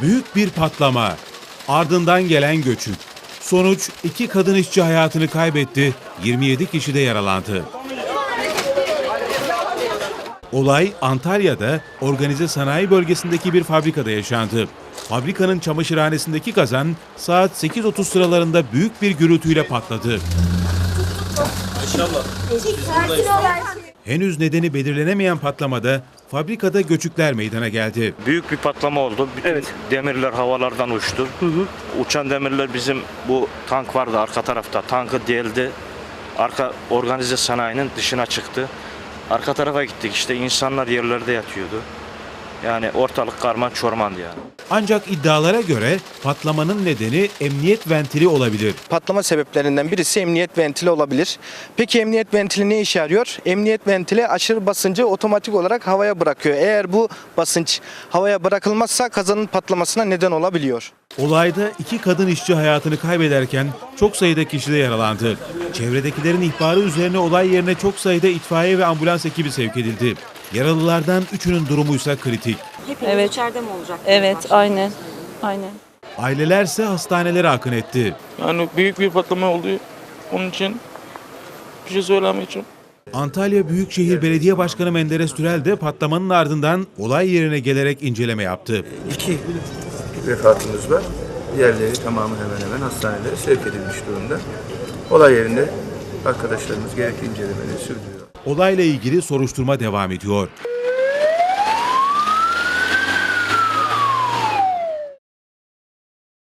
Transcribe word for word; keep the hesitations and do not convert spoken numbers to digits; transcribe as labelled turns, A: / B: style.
A: Büyük bir patlama. Ardından gelen göçük. Sonuç iki kadın işçi hayatını kaybetti, yirmi yedi kişi de yaralandı. Olay Antalya'da organize sanayi bölgesindeki bir fabrikada yaşandı. Fabrikanın çamaşırhanesindeki kazan saat sekiz otuz sıralarında büyük bir gürültüyle patladı. Henüz nedeni belirlenemeyen patlamada fabrikada göçükler meydana geldi.
B: Büyük bir patlama oldu. Bütün evet. Demirler havalardan uçtu. Hı hı. Uçan demirler bizim bu tank vardı arka tarafta. Tankı deldi. Arka organize sanayinin dışına çıktı. Arka tarafa gittik işte insanlar yerlerde yatıyordu. Yani ortalık karman çormandı yani.
A: Ancak iddialara göre patlamanın nedeni emniyet ventili olabilir.
C: Patlama sebeplerinden birisi emniyet ventili olabilir. Peki emniyet ventili ne işe yarıyor? Emniyet ventili aşırı basıncı otomatik olarak havaya bırakıyor. Eğer bu basınç havaya bırakılmazsa kazanın patlamasına neden olabiliyor.
A: Olayda iki kadın işçi hayatını kaybederken çok sayıda kişi de yaralandı. Çevredekilerin ihbarı üzerine olay yerine çok sayıda itfaiye ve ambulans ekibi sevk edildi. Yaralılardan üçünün durumuysa kritik.
D: Hepiniz evet. içeride mi olacak?
E: Evet, aynen. Aynen.
A: Ailelerse hastanelere akın etti.
F: Yani büyük bir patlama oldu. Onun için bir şey söylemeyeceğim.
A: Antalya Büyükşehir Belediye Başkanı Menderes Türel de patlamanın ardından olay yerine gelerek inceleme yaptı.
G: İki vefatımız var. Diğerleri tamamı hemen hemen hastanelere sevk edilmiş durumda. Olay yerinde arkadaşlarımız gerekli incelemeleri sürdürüyor.
A: Olayla ilgili soruşturma devam ediyor.